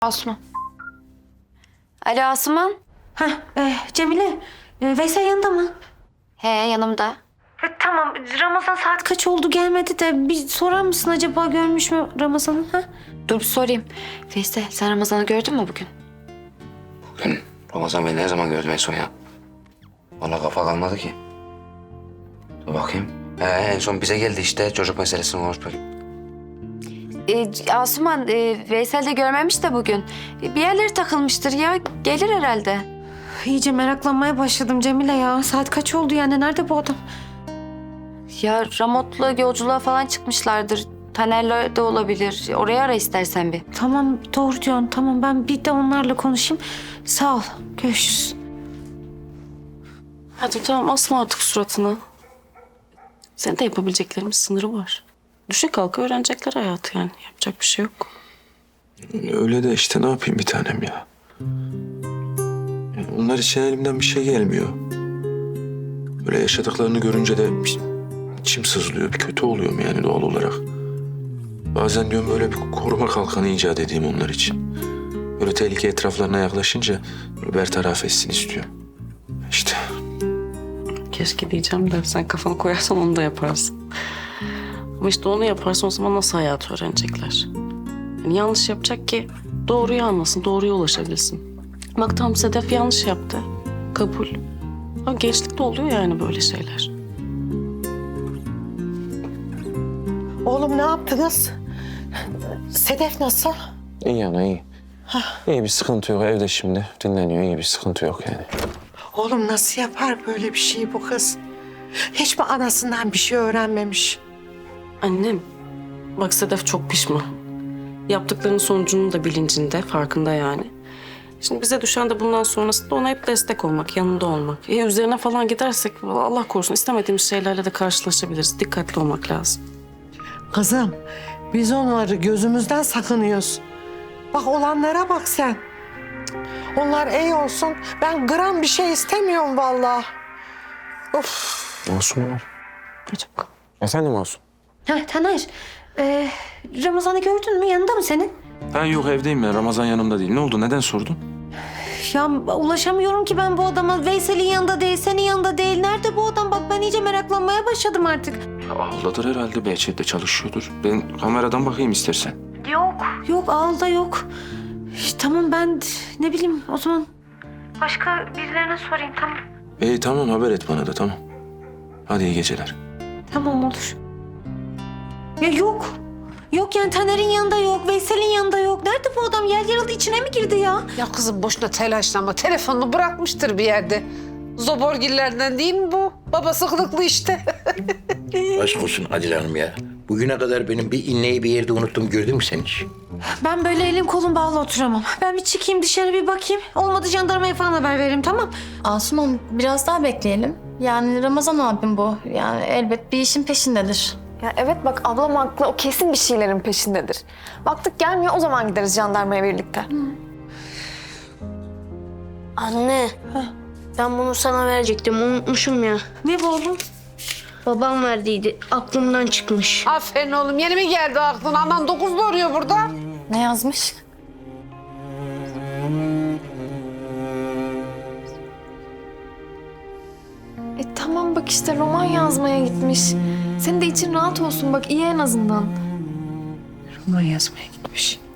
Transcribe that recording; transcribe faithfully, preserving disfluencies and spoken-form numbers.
Asuman. Alo Asuman. Heh, e, Cemile, e, Veysel yanında mı? He yanımda. E, tamam, Ramazan saat kaç oldu gelmedi de bir sorar mısın acaba görmüş mü Ramazan'ı? Ha? Dur bir sorayım. Veysel sen Ramazan'ı gördün mü bugün? Bugün Ramazan beni ne zaman gördüm en son ya? Vallahi kafa kalmadı ki. Dur bakayım. He, en son bize geldi işte çocuk meselesini konuşmak. Ee, Asuman, e, Veysel de görmemiş de bugün. E, bir yerleri takılmıştır ya. Gelir herhalde. İyice meraklanmaya başladım Cemile ya. Saat kaç oldu yani? Nerede bu adam? Ya Ramot'la yolculuğa falan çıkmışlardır. Taner'le de olabilir. Oraya ara istersen bir. Tamam, doğru diyorsun. Tamam, ben bir de onlarla konuşayım. Sağ ol. Görüşürüz. Hadi tamam asma artık suratını. Senin de yapabileceklerimiz sınırı var. Düşe kalka öğrenecekler hayatı yani. Yapacak bir şey yok. Öyle de işte ne yapayım bir tanem ya. Yani onlar için elimden bir şey gelmiyor. Böyle yaşadıklarını görünce de bir- içim sızlıyor. Bir kötü oluyorum yani doğal olarak. Bazen diyorum böyle bir koruma kalkanı icat edeyim onlar için. Böyle tehlike etraflarına yaklaşınca böyle bertaraf etsin istiyorum. İşte Keşke diyeceğim de sen kafanı koyarsan onu da yaparsın. Ama işte onu yaparsan o zaman nasıl hayatı öğrenecekler? Yani yanlış yapacak ki doğruyu anlasın, doğruya ulaşabilsin. Bak tam Sedef yanlış yaptı. Kabul. Ama gençlikte oluyor yani böyle şeyler. Oğlum ne yaptınız? Sedef nasıl? iyi ana iyi. İyi bir sıkıntı yok evde şimdi. Dinleniyor iyi bir sıkıntı yok yani. Oğlum nasıl yapar böyle bir şeyi bu kız? Hiç mi anasından bir şey öğrenmemiş? Annem, bak Sedef çok pişman. Yaptıklarının sonucunun da bilincinde, farkında yani. Şimdi bize düşen de bundan sonrasında ona hep destek olmak, yanında olmak. E üzerine falan gidersek Allah korusun istemediğimiz şeylerle de karşılaşabiliriz. Dikkatli olmak lazım. Kızım biz onları gözümüzden sakınıyoruz. Bak olanlara bak sen. Onlar iyi olsun. Ben gram bir şey istemiyorum vallahi. Of. Masum var. Çabuk. Efendim Masum? Ha, Taner, e, Ramazan'ı gördün mü? Yanında mı senin? Ben yok evdeyim ben. Ramazan yanımda değil. Ne oldu? Neden sordun? Ya ulaşamıyorum ki ben bu adama. Veysel'in yanında değil, senin yanında değil. Nerede bu adam? Bak ben iyice meraklanmaya başladım artık. Ya ağladır herhalde. Behçet'te çalışıyordur. Ben kameradan bakayım istersen. Yok. Yok, ağılda yok. İşte, tamam ben ne bileyim o zaman. Başka birilerine sorayım, tamam. İyi tamam haber et bana da tamam. Hadi iyi geceler. Tamam olur. Ya yok. Yok yani Taner'in yanında yok, Veysel'in yanında yok. Nerede bu adam? Yer yarıldı içine mi girdi ya? Ya kızım boşuna telaşlanma. Telefonunu bırakmıştır bir yerde. Zoborgillerden değil mi bu? Babası kılıklı işte. Aşk olsun Adile Hanım ya. Bugüne kadar benim bir inneyi bir yerde unuttum. Gördün mü sen hiç? Ben böyle elim kolum bağlı oturamam. Ben bir çıkayım dışarı bir bakayım. Olmadı jandarmaya falan haber veririm, tamam? Asuman biraz daha bekleyelim. Yani Ramazan abim bu. Yani elbet bir işin peşindedir. Ya evet bak ablam haklı. O kesin bir şeylerin peşindedir. Baktık gelmiyor o zaman gideriz jandarmaya birlikte. Anne, ben bunu sana verecektim. Unutmuşum ya. Ne bu oğlum? Babam verdiydi. Aklımdan çıkmış. Aferin oğlum. Yeni mi geldi aklına? Aman dokuz doğuruyor burada. Ne yazmış? E tamam bak işte roman yazmaya gitmiş. Senin de için rahat olsun bak iyi en azından. Roman yazmaya gitmiş.